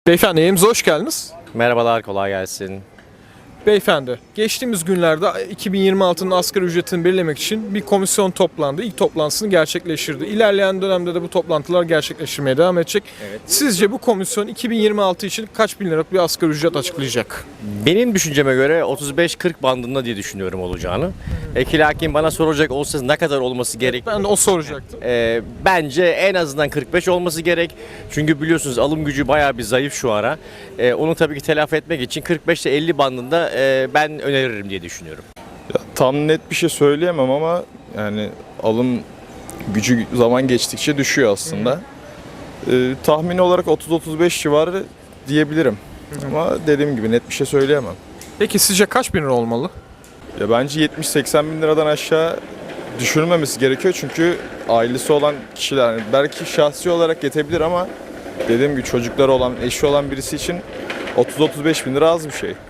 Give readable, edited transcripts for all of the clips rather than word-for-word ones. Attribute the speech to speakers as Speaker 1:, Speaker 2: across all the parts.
Speaker 1: Beyefendi yayınımıza hoş geldiniz.
Speaker 2: Merhabalar, kolay gelsin.
Speaker 1: Beyefendi, geçtiğimiz günlerde 2026'nın asgari ücretini belirlemek için bir komisyon toplandı. İlk toplantısını gerçekleştirdi. İlerleyen dönemde de bu toplantılar gerçekleştirmeye devam edecek. Evet. Sizce bu komisyon 2026 için kaç bin liralık bir asgari ücret açıklayacak?
Speaker 2: Benim düşünceme göre 35-40 bandında diye düşünüyorum olacağını. Lakin bana soracak olsa ne kadar olması gerek?
Speaker 1: Ben de o soracaktım.
Speaker 2: Bence en azından 45 olması gerek. Çünkü biliyorsunuz alım gücü bayağı bir zayıf şu ara. Onu tabii ki telafi etmek için 45 ile 50 bandında ben öneririm diye düşünüyorum.
Speaker 3: Ya, tam net bir şey söyleyemem ama yani alım gücü zaman geçtikçe düşüyor aslında. Tahmini olarak 30-35 civarı diyebilirim. Ama dediğim gibi net bir şey söyleyemem.
Speaker 1: Peki sizce kaç bin lira olmalı?
Speaker 3: Ya bence 70-80 bin liradan aşağı düşürülmemesi gerekiyor çünkü ailesi olan kişiler yani belki şahsi olarak yetebilir ama dediğim gibi çocukları olan, eşi olan birisi için 30-35 bin lira az bir şey.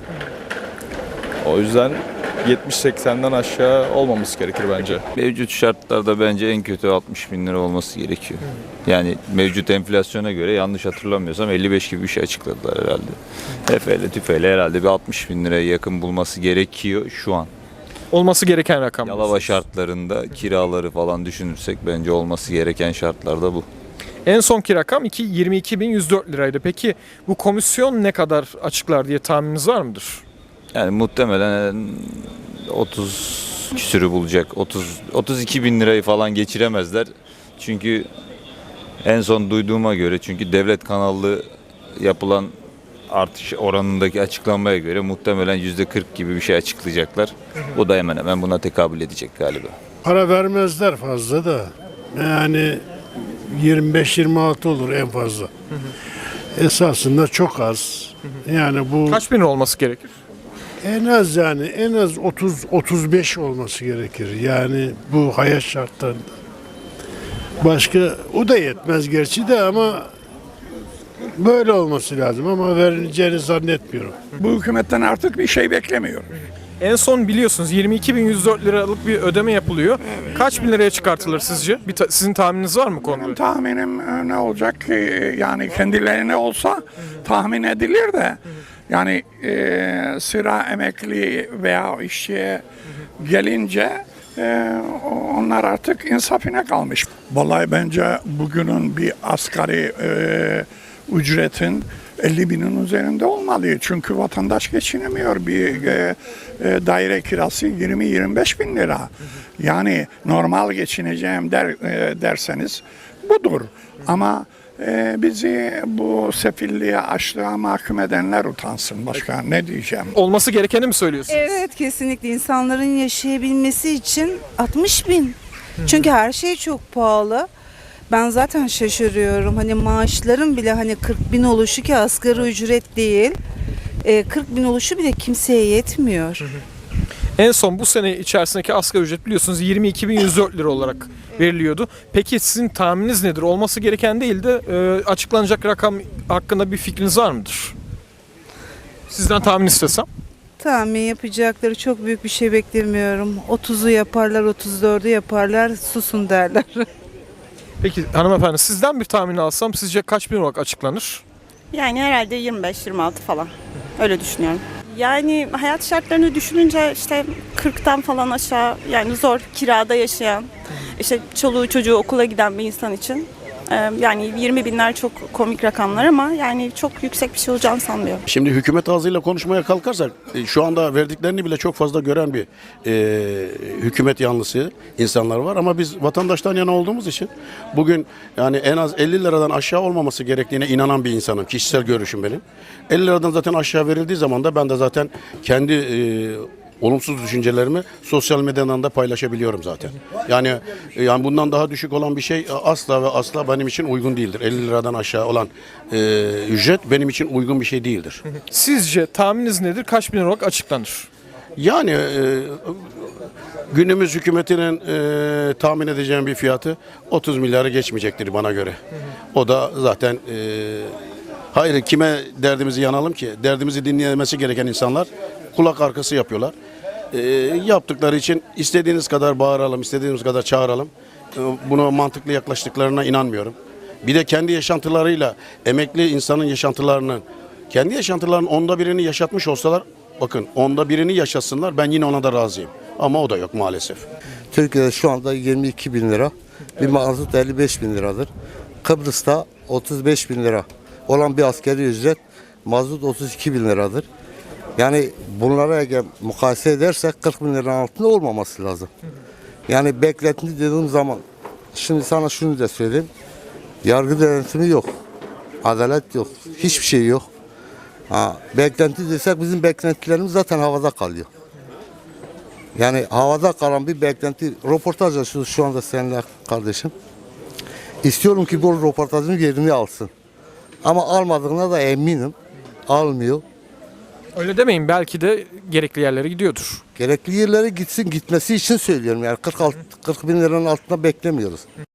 Speaker 3: O yüzden 70-80'den aşağı olmaması gerekir bence.
Speaker 4: Mevcut şartlarda bence en kötü 60 bin lira olması gerekiyor. Yani mevcut enflasyona göre yanlış hatırlamıyorsam 55 gibi bir şey açıkladılar herhalde. Efeyle tüfeyle herhalde bir 60 bin liraya yakın bulması gerekiyor şu an.
Speaker 1: Olması gereken rakam.
Speaker 4: Yalova şartlarında kiraları falan düşünürsek bence olması gereken şartlarda bu.
Speaker 1: En sonki rakam 22.104 liraydı. Peki bu komisyon ne kadar açıklar diye tahmininiz var mıdır?
Speaker 4: Yani muhtemelen 30 küsürü bulacak. 32 bin lirayı falan geçiremezler. Çünkü en son duyduğuma göre çünkü devlet kanallı yapılan artış oranındaki açıklanmaya göre muhtemelen %40 gibi bir şey açıklayacaklar. O da hemen hemen buna tekabül edecek galiba.
Speaker 5: Para vermezler fazla da. Yani 25-26 olur en fazla. Esasında çok az. Yani bu
Speaker 1: Kaç bin lira olması gerekir?
Speaker 5: en az 30-35 olması gerekir. Yani bu hayat şartlarında. Başka o da yetmez gerçi de ama böyle olması lazım ama verileceğini zannetmiyorum.
Speaker 6: Bu hükümetten artık bir şey beklemiyoruz.
Speaker 1: En son biliyorsunuz 22.104 liralık bir ödeme yapılıyor. Kaç bin liraya çıkartılır sizce? Sizin tahmininiz var mı konuda?
Speaker 6: Benim tahminim ne olacak ki yani kendilerine olsa tahmin edilir de yani sıra emekli veya işçiye gelince onlar artık insafine kalmış. Vallahi bence bugünün bir asgari ücretin 50 binin üzerinde olmalı. Çünkü vatandaş geçinemiyor. Bir daire kirası 20-25 bin lira. Yani normal geçineceğim derseniz budur. Ama bizi bu sefilliğe, açlığa mahkum edenler utansın. Başka ne diyeceğim?
Speaker 1: Olması gerekeni mi söylüyorsunuz?
Speaker 7: Evet, kesinlikle insanların yaşayabilmesi için 60 bin. Çünkü her şey çok pahalı. Ben zaten şaşırıyorum. Hani maaşların bile hani 40 bin oluşu ki asgari ücret değil. 40 bin oluşu bile kimseye yetmiyor.
Speaker 1: En son bu sene içerisindeki asgari ücret biliyorsunuz 22.104 lira olarak veriliyordu. Peki sizin tahmininiz nedir? Olması gereken değil de açıklanacak rakam hakkında bir fikriniz var mıdır? Sizden tahmin istesem.
Speaker 7: Tahmin yapacakları çok büyük bir şey beklemiyorum. 30'u yaparlar, 34'ü yaparlar, susun derler.
Speaker 1: Peki hanımefendi sizden bir tahmin alsam sizce kaç bin olarak açıklanır?
Speaker 8: Yani herhalde 25-26 falan. Öyle düşünüyorum. Yani hayat şartlarını düşününce işte 40'tan falan aşağı yani zor kirada yaşayan, işte çoluğu çocuğu okula giden bir insan için yani 20 binler çok komik rakamlar ama yani çok yüksek bir şey olacağını sanmıyorum.
Speaker 9: Şimdi hükümet ağzıyla konuşmaya kalkarsak şu anda verdiklerini bile çok fazla gören bir hükümet yanlısı insanlar var ama biz vatandaştan yana olduğumuz için bugün yani en az 50 liradan aşağı olmaması gerektiğine inanan bir insanım. Kişisel görüşüm benim. 50 liradan zaten aşağı verildiği zaman da ben de zaten kendi olumsuz düşüncelerimi sosyal medyadan da paylaşabiliyorum zaten. Yani bundan daha düşük olan bir şey asla ve asla benim için uygun değildir. 50 liradan aşağı olan ücret benim için uygun bir şey değildir.
Speaker 1: Sizce tahmininiz nedir? Kaç bin lira olarak açıklanır?
Speaker 9: Yani günümüz hükümetinin tahmin edeceğim bir fiyatı 30 milyarı geçmeyecektir bana göre. O da zaten hayır kime derdimizi yanalım ki? Derdimizi dinlemesi gereken insanlar kulak arkası yapıyorlar. Yaptıkları için istediğiniz kadar bağıralım, istediğiniz kadar çağıralım. Buna mantıklı yaklaştıklarına inanmıyorum. Bir de kendi yaşantılarıyla emekli insanın yaşantılarının kendi yaşantılarının onda birini yaşatmış olsalar bakın onda birini yaşasınlar ben yine ona da razıyım. Ama o da yok maalesef.
Speaker 10: Türkiye'de şu anda 22 bin lira, bir mazot 55 bin liradır. Kıbrıs'ta 35 bin lira olan bir askeri ücret mazot 32 bin liradır. Yani bunlara eğer mukayese edersek 40 bin liranın altında olmaması lazım. Yani beklenti dediğim zaman şimdi sana şunu da söyleyeyim. Yargı denetimi yok. Adalet yok. Hiçbir şey yok. Beklenti desek bizim beklentilerimiz zaten havada kalıyor. Yani havada kalan bir beklenti. Röportaj açıyoruz şu anda seninle kardeşim. İstiyorum ki bu röportajın yerini alsın. Ama almadığına da eminim. Almıyor.
Speaker 1: Öyle demeyin, belki de gerekli yerlere gidiyordur.
Speaker 10: Gerekli yerlere gitsin, gitmesi için söylüyorum. Yani 40 bin liranın altında beklemiyoruz.